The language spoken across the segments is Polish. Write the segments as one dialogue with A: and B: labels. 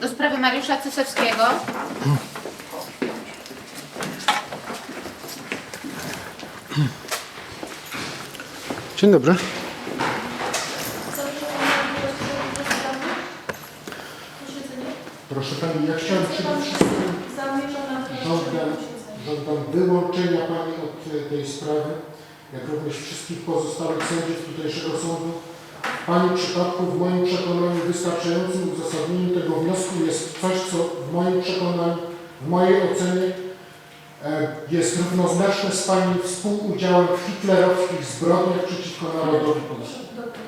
A: do sprawy Mariusza Cysewskiego.
B: Dzień dobry. Proszę Pani, ja chciałem przede wszystkim żądam wyłączenia Pani od tej sprawy, jak również wszystkich pozostałych sędziów tutejszego sądu. W Pani przypadku, w moim przekonaniu, wystarczającym uzasadnieniem tego wniosku jest coś, co w moim przekonaniu, w mojej ocenie jest równoznaczne z Pani współudziałem w hitlerowskich zbrodniach przeciwko narodowi polskiemu.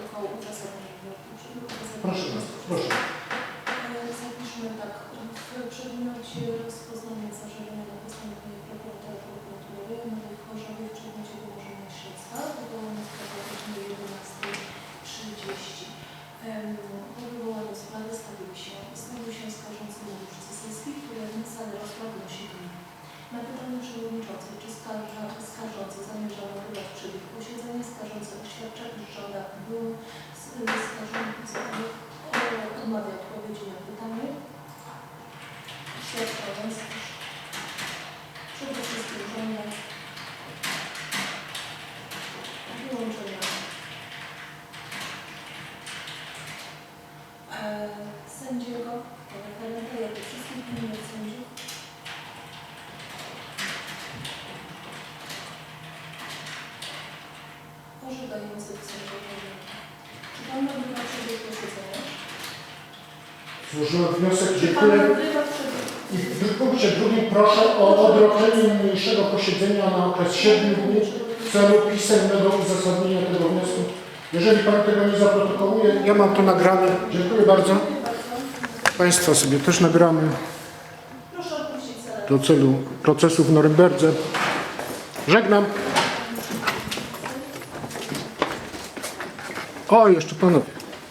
B: Proszę bardzo, proszę.
C: Zapiszmy tak, w przedmiocie rozpoznania zażalonego postanowienia prokuratora prokuratury Nowej w Chorzowie w przedmiocie wyłożenia śledztwa wywołane w prawie o godzinie 11:30. Po wywołaniu sprawy stawił się skarżący Mariusz Cysewski, który na salę rozpraw wnosi wniosek. Na pytanie przewodniczącej, czy skarżący zamierzał nagrywać przebieg posiedzenia, skarżący oświadcza, iż żąda był skarżący odmawia odpowiedzi na pytanie, świadcząc, iż przede wszystkim żąda wyłączenia sędziego, referenta, jak i wszystkich innych sędziów orzekających sędziowie. Czy Pan nagrywa przebieg posiedzenia?
B: Złożyłem wniosek, dziękuję. I w punkcie drugim proszę o odroczenie niniejszego posiedzenia na okres 7 dni w celu pisemnego uzasadnienia tego wniosku. Jeżeli Pan tego nie zaprotokołuje, ja mam to nagrane. Dziękuję bardzo. Państwa sobie też nagramy do celu procesu w Norymberdze. Żegnam. O, jeszcze Panowie.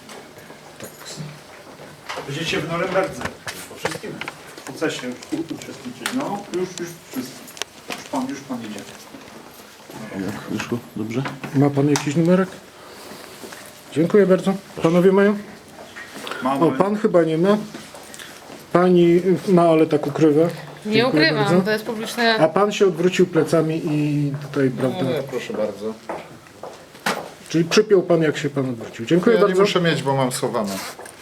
D: Będziecie w Norymberdze. Po wszystkim procesie uczestniczyć. No, już wszystko. Już pan idzie.
E: Jak wyszło? Dobrze?
B: Ma Pan jakiś numerek? Dziękuję bardzo. Panowie mają?
D: Mamy.
B: O, Pan chyba nie ma. Pani ma, ale tak ukrywa.
A: Nie
B: Dziękuję
A: ukrywam,
B: bardzo.
A: to jest publiczne.
B: A Pan się odwrócił plecami i tutaj, prawda?
E: Nie, proszę bardzo.
B: Czyli przypiął Pan, jak się Pan odwrócił. Dziękuję
E: Ja nie
B: bardzo.
E: muszę mieć, bo mam schowane.